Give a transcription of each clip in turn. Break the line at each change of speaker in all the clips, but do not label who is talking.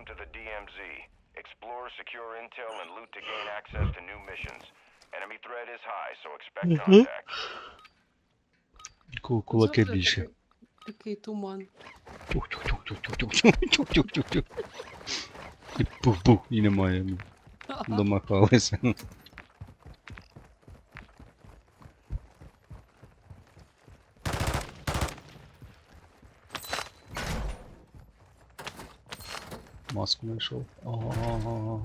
Welcome to the DMZ. Explore, secure intel, and loot to gain access to new missions. Enemy threat is high, so expect contact.
Кулаки
Завжди
більше.
Такий туман.
Тюк-тюк-тюк-тюк-тюк-тюк-тюк-тюк. І пух-пух, і немає. Домахалися. Маску знайшов. Ага.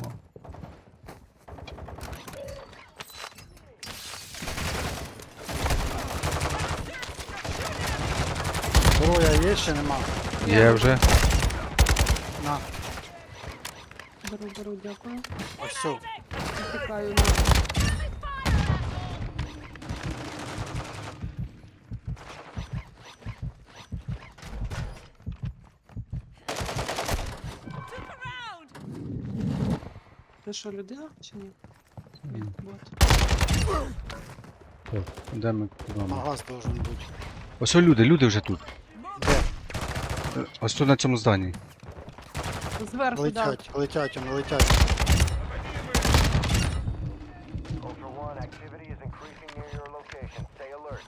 Зброя є ще нема?
Є вже.
На,
Беру, дякую.
ось все.
Втікаю на. Це що, людина чи ні? Ні, бот.
Так, де ми куди ми?
Магаз должен бути.
Ось люди вже тут.
Де?
Ось тут на цьому зданні.
Зверху, да.
Летять, вони летять.
Ultra One, activity is increasing near your location. Stay alert.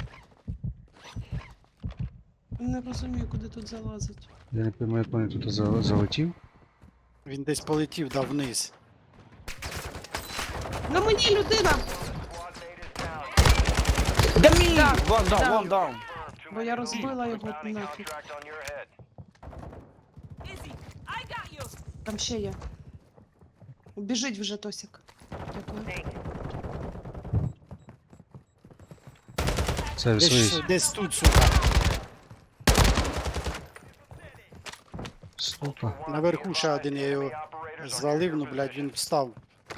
Не розумію, куди тут залазить.
Я не пам'ятаю, як вони тут залетів.
Він десь полетів, да, вниз.
На мені людина!
Squad mate is down.
Да,
One down,
да.
one down.
Too
Бо я
many
розбила
leads.
його
Bounty
нафіг.
contract on your head.
Там ще є. Біжить вже Тосік. Дякую.
Це свої.
Десь тут, сука.
Стопа.
Наверху ще один, я його звалив, ну, блядь, він встав.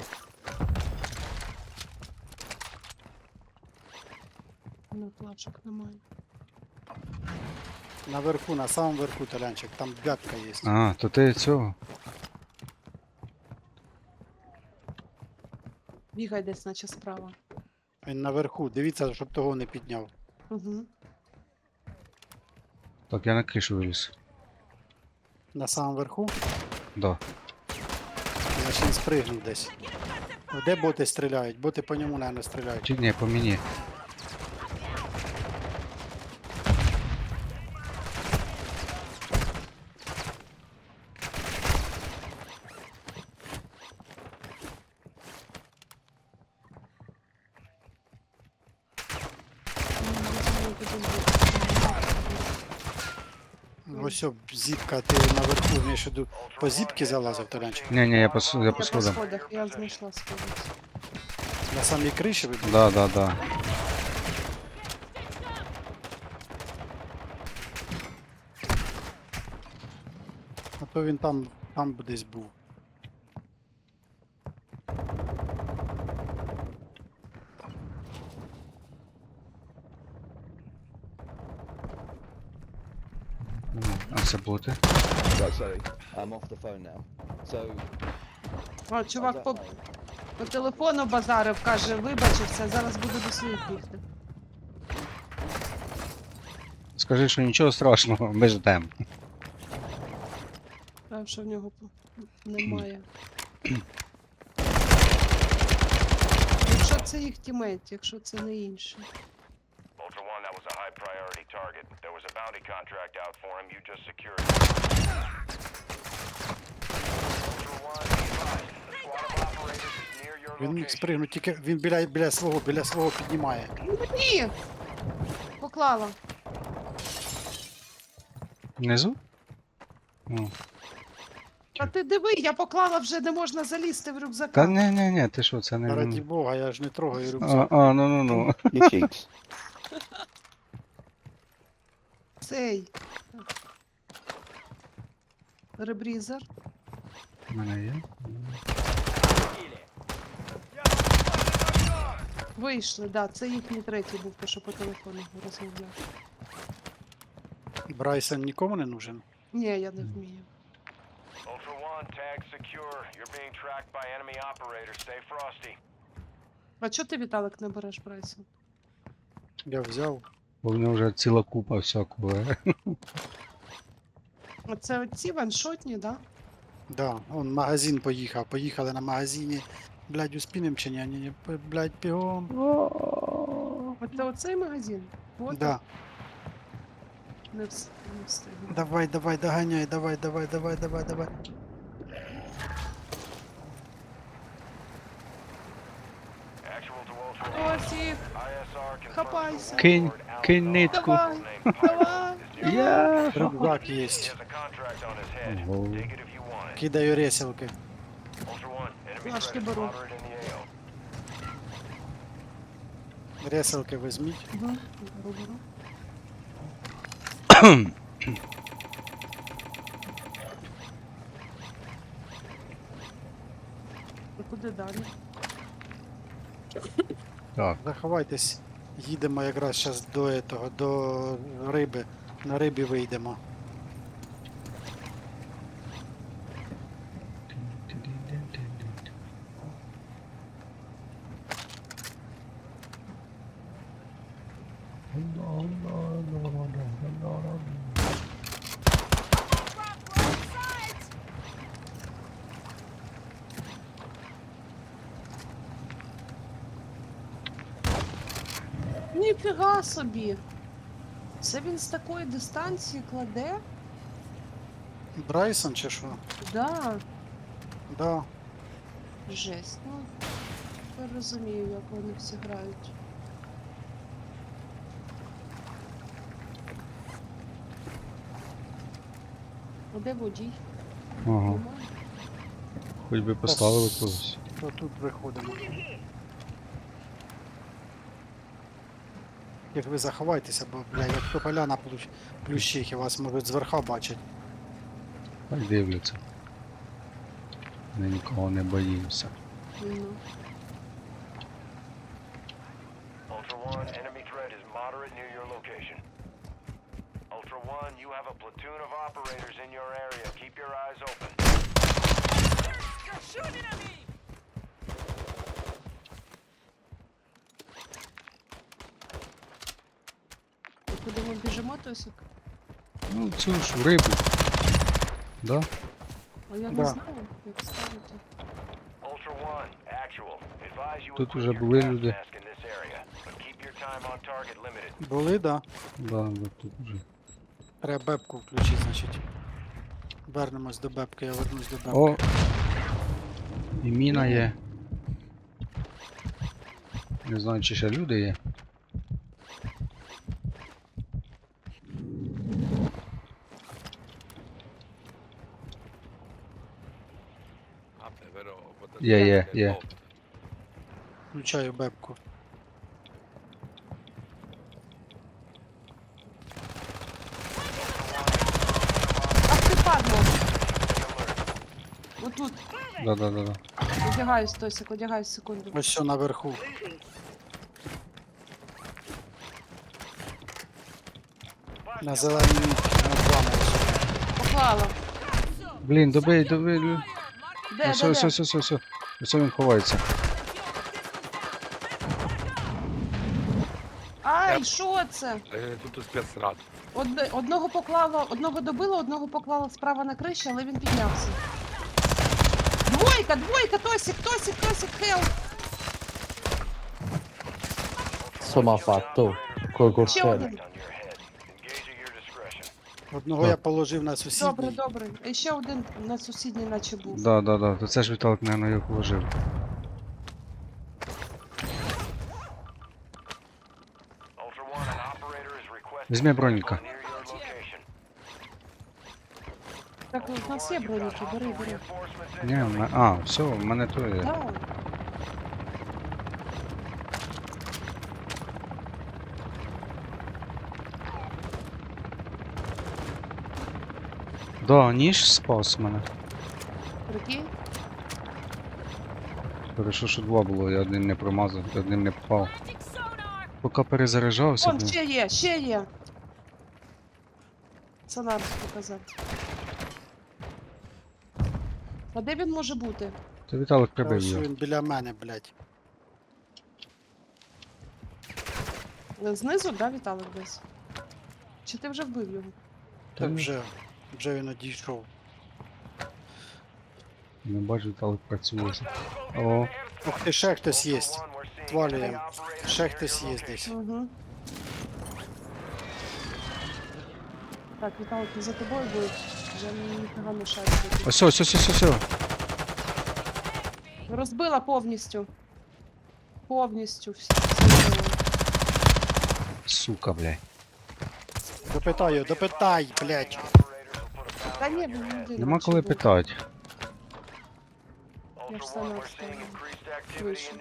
Ну, плачок немає.
Наверху, на самому верху, Толянчик, там бятка є.
А, то ти цього.
Бігай десь, наче справа.
Він наверху, дивіться, щоб того не підняв.
Угу.
Так, я на кришу виліз.
На самому верху,
Да.
значить він спригнув десь. Де боти стріляють? Боти по ньому, мабуть, стріляють.
Чи ні, по мені.
Ось о, зіпка, ти наверху, між іду, по зіпки залазив, Толянчик.
Ні, я по
Я по
сходам.
сходах, я знайшла сходи.
На самій криші ви були?
Да.
А то він там десь був.
А це боти.
Right, sorry. I'm off the phone now. So,
А,
I
чувак
don't
по,
know.
по телефону базарив, каже, вибачився, зараз буду до своїх бігти.
Скажи, що нічого страшного, ми ждемо.
Та, що в нього немає. Якщо це їх тімейт, якщо це не інші.
Ultra One, that was a high priority target. There was a bounty contract out for him. You just secured it. Ultra One, be advised. The squad of operators is near your
Він міг
location.
спригнути, тільки він біля свого піднімає.
Ні! Поклала.
Внизу? О.
А ти диви, я поклала вже, не можна залізти в
Та
рюкзака.
ні, ти що, це не.
Раді Бога, я ж не трогаю рюкзак.
Ну.
Your cheeks.
Цей. Ребрізер.
У мене є.
Вийшли, да, це їхній третій був, то що по телефону розмовляв.
Брайсон нікому не нужен.
Ні, я не вмію.
Ultra One, tag secure. You're being tracked by enemy operators. Stay frosty.
А чого ти, Віталик, не береш Брайсон?
Я взяв.
Бо в нього вже ціла купа всякого.
А це оці ваншотні, да?
Да, он магазин поїхав. Поїхали на магазині. Блядь, успінем чи ні? Ні, блядь, бігом.
Оце оцей магазин? От
Да.
не встигну.
Давай, давай, доганяй, давай, давай, давай, давай, давай.
Actual to Ultra One.
Ось їх.
ISR confirms
Хапайся.
the
Кинь,
warlord
кинь
Al-Dawd,
нитку.
Давай,
named
давай.
Pyro, is near
Я.
Рюкзак
He
є.
has a contract on his head.
Ого.
Take it if you want it.
Кидаю реселки.
Ultra One, enemy
Флажки
threat is
беру.
moderate in the AO.
Реселки візьміть.
Беру, беру. І куди далі?
Так,
Заховайтесь. Їдемо якраз зараз до этого, до риби. На рибі вийдемо.
Ніфіга собі! Це він з такої дистанції кладе?
Брайсон чи що?
Да,
Да.
жесть. Ну, я розумію, як вони всі грають. А де водій?
ага.
Немає?
Хоч би поставили когось.
То тут виходимо. Як ви заховайтеся, бо, бля, як то поляна плющить, і вас можуть зверха бачити.
Хай дивляться. Ми нікого не боїмося.
Ну.
Ultra One, enemy threat is moderate near your location. Ultra One, you have a platoon of operators in your area. Keep your eyes open.
І куди ми біжимо, Тосик?
Ну, цю ж рибу. Да?
А я не
Да.
знаю, як ставити.
Ultra One, actual. Advise you
Тут
equip
уже
your
були
gas
люди.
mask in this area, but keep your time on target limited.
Були, да.
Да, да, тут вже.
Треба бебку включити, значить. Вернемось до бебки, я вернусь до бебки.
О! І міна є. Не знаю, чи ще люди є. Є.
Включаю бебку.
Ах ти падло! Отут.
Да.
Одягаюсь, Тосик, одягаюсь секунду.
Ось що наверху. На зеленій мітці, на плану.
Поклала.
Блін, добий.
Де?
Все. Ось він ховається.
Ай, що це?
Тут спецрад.
Одного добила, одного поклала справа на криші, але він піднявся. Двойка, Тосик, хелп!
Sono fatto col
Ще
coltello.
один.
On your head. Engage at your discretion.
Одного я положив на сусідній.
Добре. І ще один на сусідній наче був.
Да. То це ж Віталик, наверное, його положив.
Ultra One, an operator is requesting
Візьми броніка.
near your location.
Так, у нас є броніки, бери.
Reinforcements
Ні, все, в мене то є.
Так.
Да, ніж спас мене.
Прикинь?
Хорошо, що два було, я один не промазав, одним не попав. Поки перезаряджався,
Вон,
блін.
ще є. Сонар показати. А де він може бути?
То Віталик
Та
прибив
ось
його.
він біля мене, блядь.
Знизу, да, Віталик десь? Чи ти вже вбив його?
Так вже він одійшов.
Не бачу, але працює. О,
Ух ти, ще хтось є. Звалюємо. Ще хтось є десь.
Угу. Так, Віталик, за тобою буде. Вже ніфіга не шарить.
ось.
Розбила повністю. Повністю всі.
сука, блядь.
Допитай, блядь.
Та ні, людина.
Нема коли питати.
Я ж сама встала. Вийшов.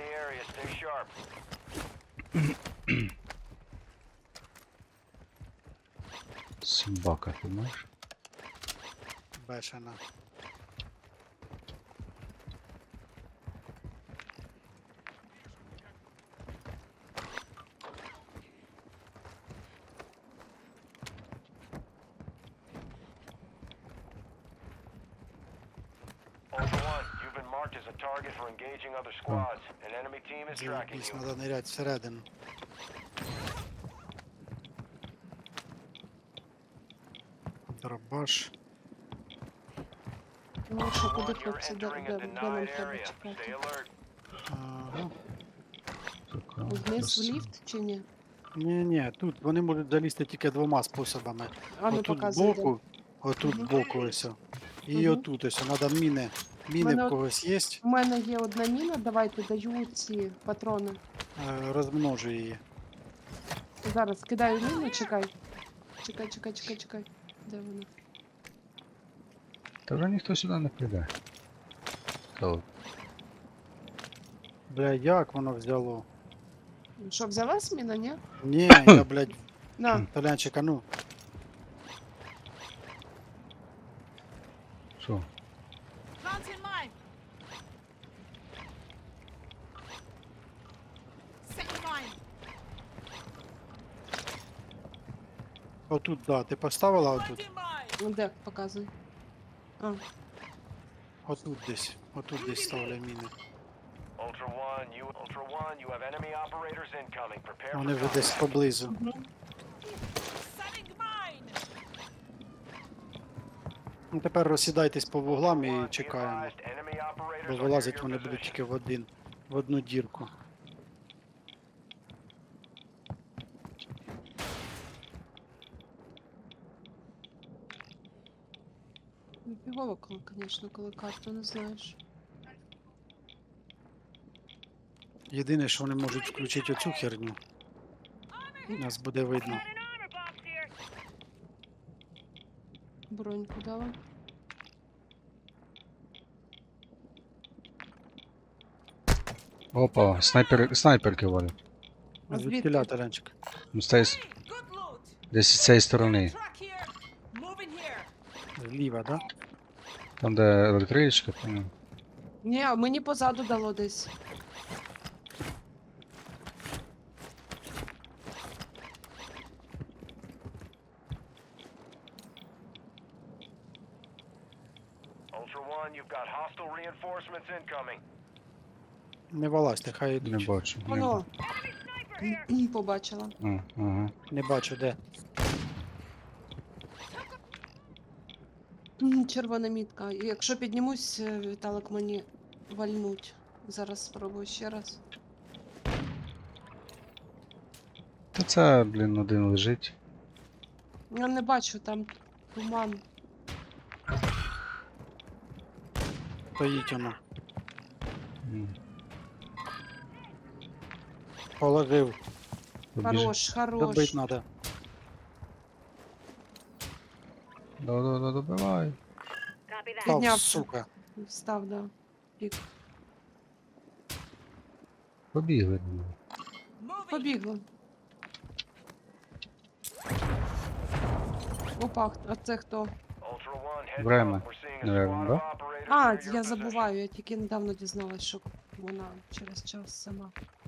Собака, ти знаєш?
Бешена.
Ultra One, you've been marked as a target for engaging other squads. An enemy team is tracking
Заебись,
you.
надо нырять всередину. Дробаш.
Ну що,
Ultra
куди
One, you're
хлопці, де
entering a
нам
denied
треба
area.
чекати?
Stay alert.
Ага.
Сука,
Вниз в
красиво.
ліфт чи ні?
Ні, тут вони можуть залізти тільки двома способами.
А ну
Отут
показуй.
збоку, отут
Мгм.
збоку ось. І
Мгм.
отут ось. Надо міни. Міни
Мене
в
от-
когось є.
У мене є одна міна, давайте даю ці патрони.
Розмножу її.
Зараз кидаю міну, чекай. Чекай. Де вона?
Та вже ніхто сюди не прийде. Та от.
Бля, як воно взяло?
Що, взялась міна, ні?
Ні, я, блядь,
На,
Толянчик, а ну.
Що?
Planting mine. Setting mine.
Отут, да, ти поставила отут?
Planting mine.
ну де, показуй. А,
Отут десь ставлю міни.
Ultra One, you have enemy operators incoming. Prepare
Вони
for
вже
combat.
десь поблизу.
Setting mine.
Ну тепер розсідайтесь по вуглам
Ultra
і
One, be
чекаємо.
advised, enemy operators
Бо
are near
вилазять
your
вони будуть
position.
тільки в одну дірку.
фігово, звісно, коли карту не знаєш.
Єдине, що вони можуть включити оцю херню. Нас буде видно.
Броньку дала.
Опа, снайперки валять.
А
Звідки
звідки?
Толянчик?
Ну, з цієї
Good loot.
десь з цієї сторони.
Track here. Moving here.
Зліва, да?
Там, де електричка, там.
Ні, мені позаду дало десь.
Ultra One, you've got hostile reinforcements incoming.
Не вилазьте, хай
Не
йдуть.
бачу. Не,
Воно. Побачила.
ага.
Не бачу де.
Червона мітка. І якщо піднімусь, Віталик мені вальнуть. Зараз спробую ще раз.
Та це, блін, один лежить.
Я не бачу, там туман.
Стоїть воно.
М,
Положив.
побіж-
Хорош.
Добить треба.
Да, добивай.
Став,
Піднявся.
сука.
Встав, да. Пік.
Побігли.
Moving.
Побігла. Опа, а це хто?
Ultra One, heads
Время,
up. We're seeing a
наверно,
squad
да?
of operators
А,
near your
я
position.
забуваю, я тільки недавно дізналась, що вона через час сама.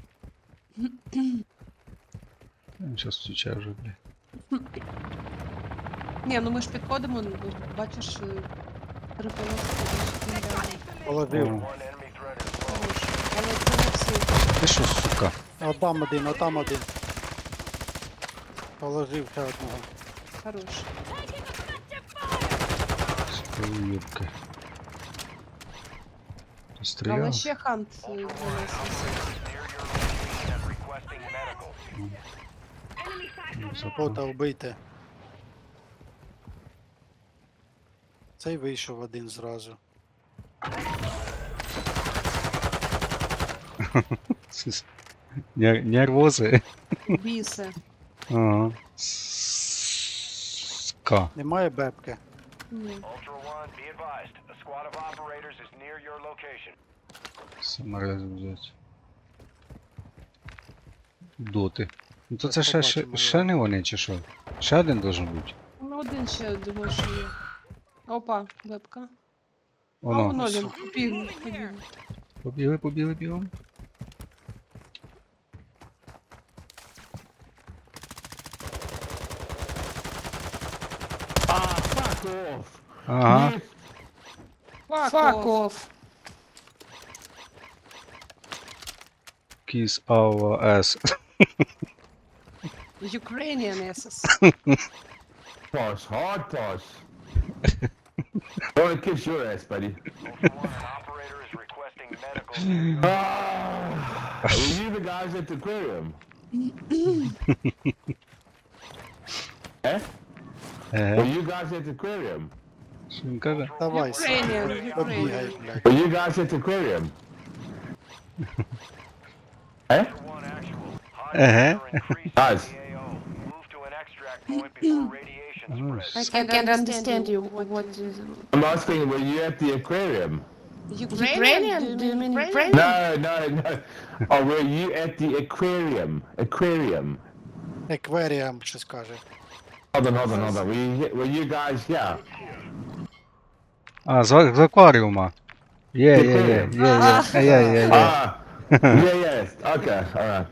Він зараз втічає вже, блядь.
Ні, ну ми ж підходимо, ну, бачиш, 3 полоски.
Положив.
О.
One enemy threat is low.
Хорош. Але це не всі.
Ти що, сука?
Отам один. Положив ще одного.
Хорош.
Уйобки.
Але
Стріляв.
ще хант
Ultra One,
виносився.
operators near your location and requesting medical.
Бота вбийте. Цей вийшов один зразу.
Нервози.
Біси.
Ага. Ска.
Немає бепки.
Ні.
Ultra One, be advised. A squad of operators is near your location.
Саморези взять. Доти. Ну то
Так
це
побачимо
ще
його.
не вони чи що? Ще один должен бути.
Ну, один ще думаю, що є. Опа, вебка. А
Воно.
воно він
Ось.
побіг.
Побігли бігом.
Ah, fuck off!
Ага.
Fuck off.
Kiss our ass.
Ukrainian SS.
Pass, hard pass. I wanna kiss your ass, buddy.
Ultra One, an operator is requesting medical. near your-
Ah, were you the guys at the aquarium? Eh? Were
Еге.
you guys at the aquarium?
Що він каже?
Давай,
Ukrainian,
побігай,
Ukrainian.
блядь.
Were you guys at the aquarium? Eh?
Ultra One, actual. High
Uh-huh.
pressure increasing
Guys.
in the AO. Move to an extract point before radiation spreads.
I can't understand you. What is
I'm asking, were you at the aquarium?
Ukrainian? Do you mean Ukrainian?
No. Oh, were you at the aquarium? Aquarium.
Екверіам щось каже.
Hold on. Were you guys here?
А, з акваріума. Є.
Ah, yeah. Okay, all right.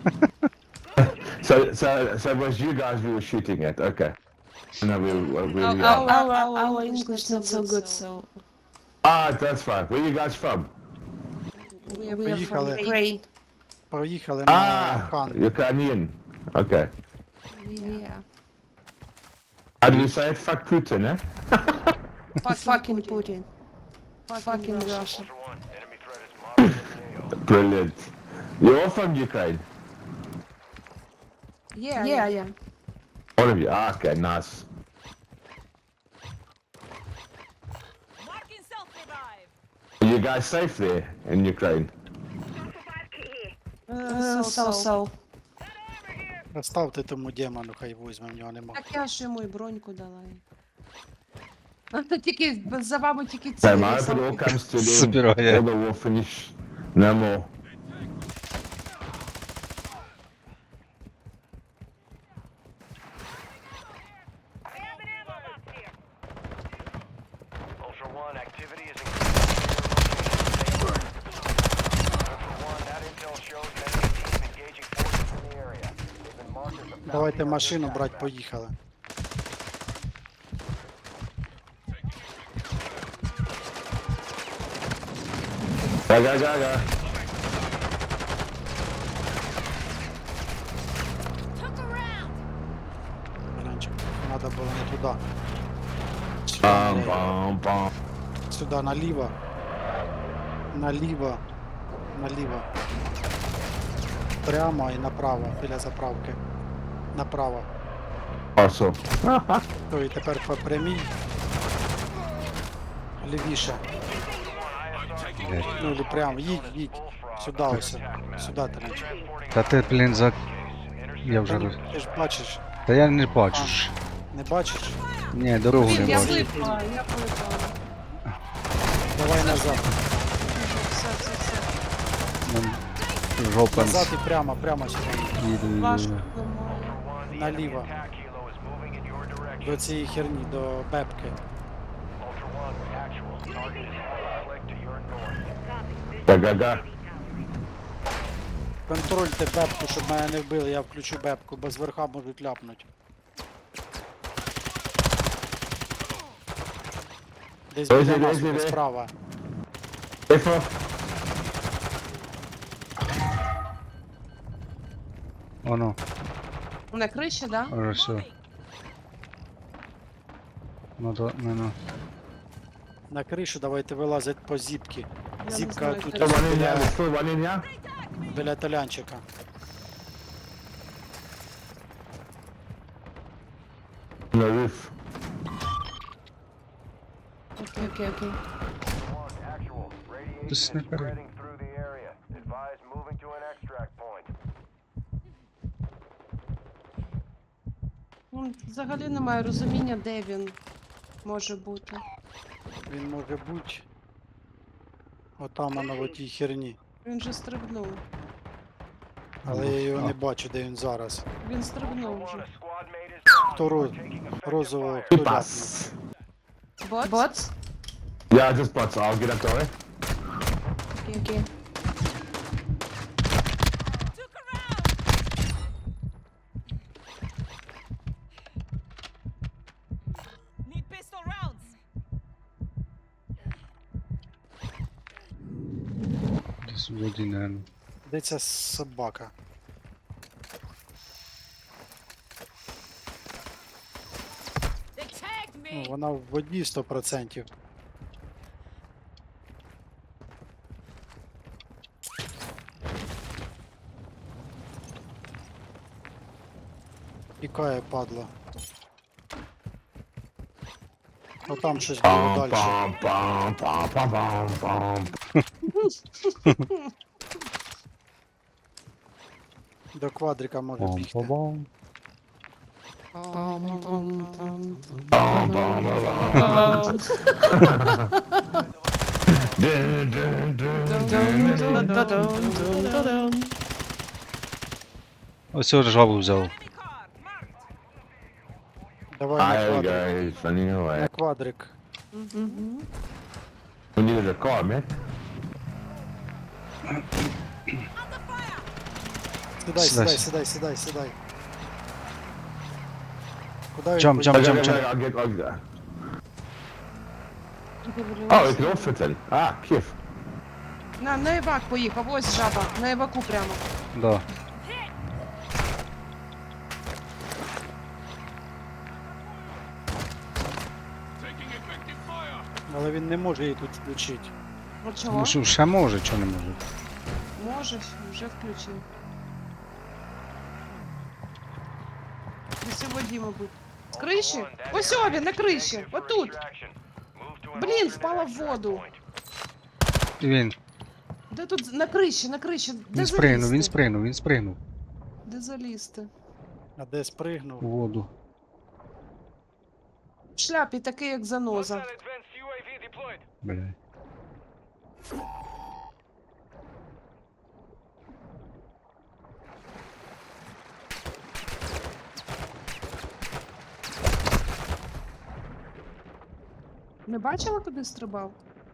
So it was you guys we were shooting at. Okay. No, we
Our English not so good, so
that's fine. Where you guys from?
we are from
Поїхали.
Ukraine.
Поїхали на
Ah,
хан.
Ukrainian. Okay.
Yeah.
How do you say it? Fuck Putin, eh?
Fucking Putin. Fucking Russia.
Ultra One, enemy threat is moderate in the AO.
Brilliant. You're all from Ukraine.
Yeah.
All of you. Ah, okay, nice.
Marking self-revive.
Are you guys safe there in Ukraine?
So.
Ставте тому демону, хай візьме, в нього нема.
Так я ж йому і броньку дала. Тільки за вами тільки ці.
Same, I hope it all comes to an end.
Собирає.
All the war finish. No more.
Ultra One, activity is increasing. Ultra One, that intel shows enemy team engaging forces in the area. They've been marked as a
Давайте
bounty on
машину
your
брать,
background.
поїхали.
Go.
Took a round.
Ранчик, треба було не туди.
Bum.
Сюди, наліво. Наліво. Прямо і направо, біля заправки. Направо.
Awesome.
То і тепер по прямій. Лівіше. Ну, или прямо, їдь. Сюди ось. Сюди, Таранчик.
Та ти, блін, за... Я вже...
Ти ж бачиш,
Та я не бачу ж.
не бачиш?
Ні, дорогу не
Я
бачу.
влипла.
Давай назад.
Все.
Жопа
Назад і прямо сюди.
їду.
Важко.
Наліво.
Attack helo is moving in your direction.
До цієї херні, до бепки.
Ultra One, actual. Target is on click to your north.
Go.
Контрольте бепку, щоб мене не вбили, я включу бепку, бо зверха можуть ляпнуть. Десь
Ось
біля
іде,
нас,
ось іде.
справа.
Careful.
Воно,
На криші, да?
вже все.
Moving.
Ну.
На кришу давайте вилазить по зіпки.
Я не
Зіпка
знаю,
тут
де
So
це.
one in here, there's still one in here?
Біля талянчика.
On the roof.
Окей.
One, actual. Radiation
This
is
sniper.
spreading through the area. Advise moving to an extract point.
Ну, взагалі немає розуміння, де він може бути.
Він може бути отам на тій херні.
Він же стрибнув.
Але я його не бачу, де він зараз.
Він стрибнув
One,
вже.
a squad mate is down.
Хто
You are
роз...
taking effective
розового
fire.
хто ляпнув?
Pass.
Бот?
Yeah, just bots. I'll get up that way.
Окей.
Took a round. Need pistol rounds.
Десь в воді, наверно.
Де ця собака?
They tagged
Ну,
me.
вона в воді 100%. Тікає, падла. Отам щось було
Bum,
далі.
bum, bum, bum, bum, bum, bum.
До квадрика може бігти.
Пам-пам-пам.
Bum, bum, bum. Dun, dun, dun, dun, dun.
Ось цього жабу взяв.
Enemy car. Marked.
Давай на
Hi
квадрик.
guys, running
На
away.
квадрик.
We needed a car, man.
Under fire.
Сідай. Куди він
Jump,
поїхав?
jump.
I'll get. Oh, ik kan opzetten. Ah, kif.
На евак поїхав, ось жаба, на еваку прямо.
Да.
Але він не може її тут включити.
От чого?
Ну що, ще може, чого не може?
Може, вже включив. Десь у воді, мабуть. З криші?
Ultra One, that
Ось
area
він, на
is
криші,
negative for
отут.
extraction. Move to an
Блін,
alternate
впала в
extract
воду.
point.
І він.
Де тут, на криші, Де
Він спригнув,
залізти?
він спригнув.
Де залізти?
А де спригнув?
У воду.
В шляпі такий, як заноза.
Hostile advanced UAV deployed.
Бля.
Не бачила, куди стрибав?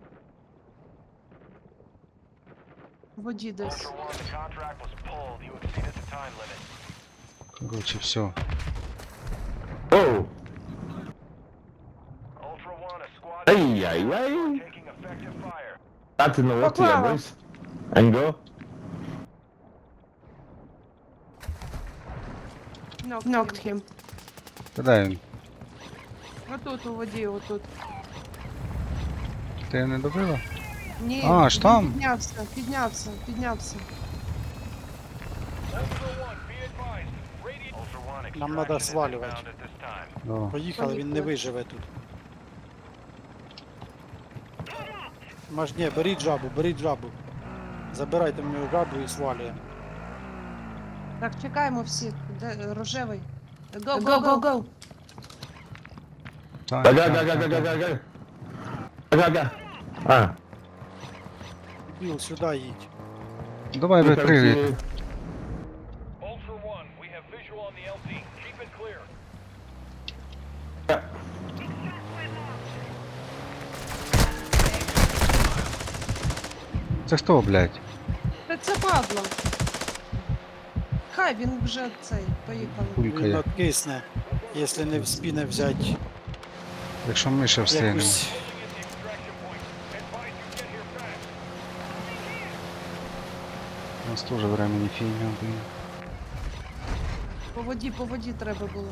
В воді десь.
Ultra One, the contract was pulled. You exceeded the time limit.
Коротше, все.
Oh.
Ultra One, a squad
Hey,
mate
hey,
is
hey.
taking effective fire.
That's in the water,
Поклала.
boys. And go.
Knocked him.
Куди він?
Отут у воді, отут.
Ти не добила?
Ні,
А, аж там?
Піднявся.
Ultra One,
Нам надо
extraction is
сваливать.
inbound at this time.
Да.
Поїхали, він не виживе тут. Маш, ні, беріть жабу. Забирайте в нього жабу і свалюємо.
Так, чекаємо всіх. Де рожевий? Go.
Так,
Go. Ah.
Біл, сюди їдь.
Давай, пригай.
Ultra One, we have visual on the LZ. Keep it clear.
Це хто, блядь?
Та це падло. Хай він вже цей, поїхали.
Він
Пулькає.
откисне, якщо не вспіне взяти
Якщо ми ще встигнемо.
якусь.
У нас теж времени фігня, блін.
По воді треба було.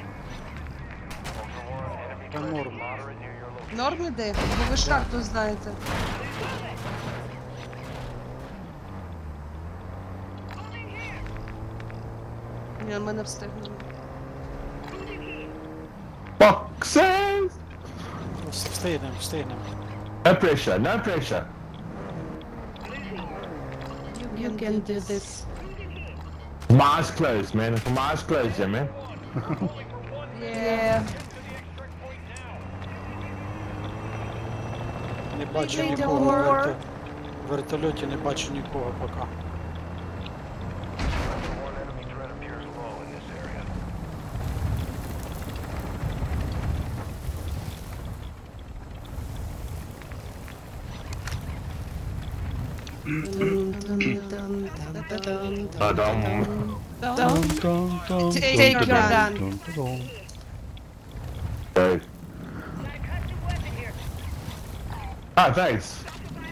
Ultra One, enemy
Та
threat is
норм.
moderate near your location.
Норм іде, бо ви ж карту знаєте. Ні, мене встигнули.
Boxes!
Встигнемо, встигнемо.
No pressure, no pressure.
You can do this.
My eyes closed, man. My eyes closed, yeah, man.
Yeah.
Не бачу
Йдемо.
нікого. В вертольоті не бачу нікого поки.
Ultra One, enemy threat appears low in this area.
Take your gun.
Right. Ah, thanks.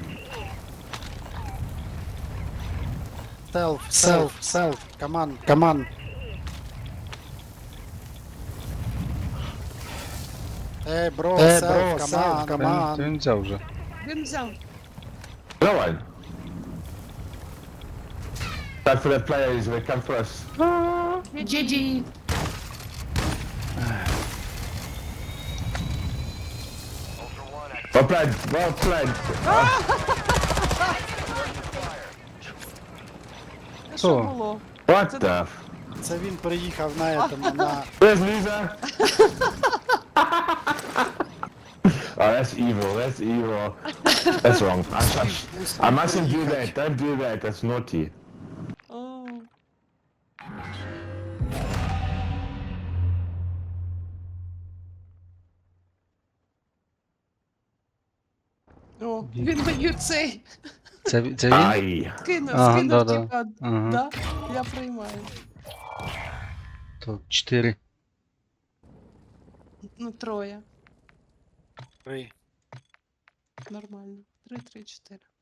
Селф. Команд. Бро, селф,
Та
команд.
він взяв вже.
Він взяв.
No one. That for the players, they come for us.
GG.
Ultra One,
Well played, well played.
Це що було?
What the f...
Це він приїхав на этому, на...
Where's Lisa? Oh, that's evil, that's evil. That's wrong. I mustn't do that, don't do that, that's naughty.
О. О, він мені цей
Це він?
Aye.
скинув,
Ага,
скинув,
да-да.
типа,
Ага.
да, я приймаю.
То 4.
Ну, троє.
Три.
Нормально. 3, 3, 4.